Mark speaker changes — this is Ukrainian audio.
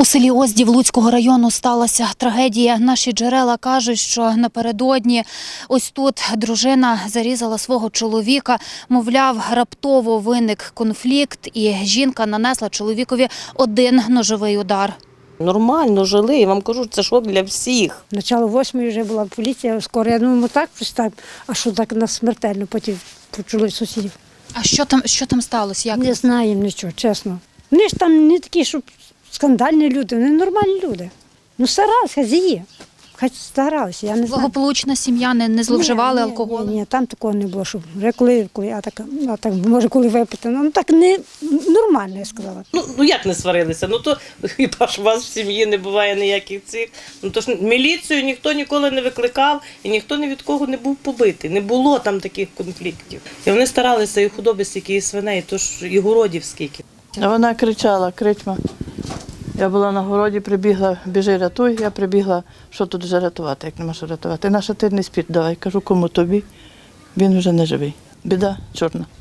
Speaker 1: У селі Оздів Луцького району сталася трагедія. Наші джерела кажуть, що напередодні ось тут дружина зарізала свого чоловіка. Мовляв, раптово виник конфлікт і жінка нанесла чоловікові один ножовий удар.
Speaker 2: Нормально жили, я вам кажу, це шок для всіх.
Speaker 3: Начало 8-ї вже була поліція, скоро, я думаю, так просто, а що так нас смертельно, потім почули сусідів.
Speaker 1: А що там сталося? Як?
Speaker 3: Не знаємо нічого, чесно. Вони ж там не такі, щоб скандальні люди, вони нормальні люди. Ну старалися, хазяї, хай старалися, я не знаю.
Speaker 1: Благополучна сім'я, не зловживали алкоголем?
Speaker 3: Ні, там такого не було, щоб вже коли, а так може коли випити, ну так не нормально, я сказала.
Speaker 2: Ну як не сварилися? Ну то хіба ж у вас в сім'ї не буває ніяких цих. Ну то ж міліцію ніхто ніколи не викликав і ніхто ні від кого не був побитий. Не було там таких конфліктів. І вони старалися і худоби стільки, і свиней, то ж і городів скільки.
Speaker 4: А вона кричала, кричма. Я була на городі, прибігла, біжи, рятуй. Я прибігла, що тут вже рятувати, як нема що рятувати. Наша ти не спіть давай. Кажу, кому тобі? Він вже не живий. Біда чорна.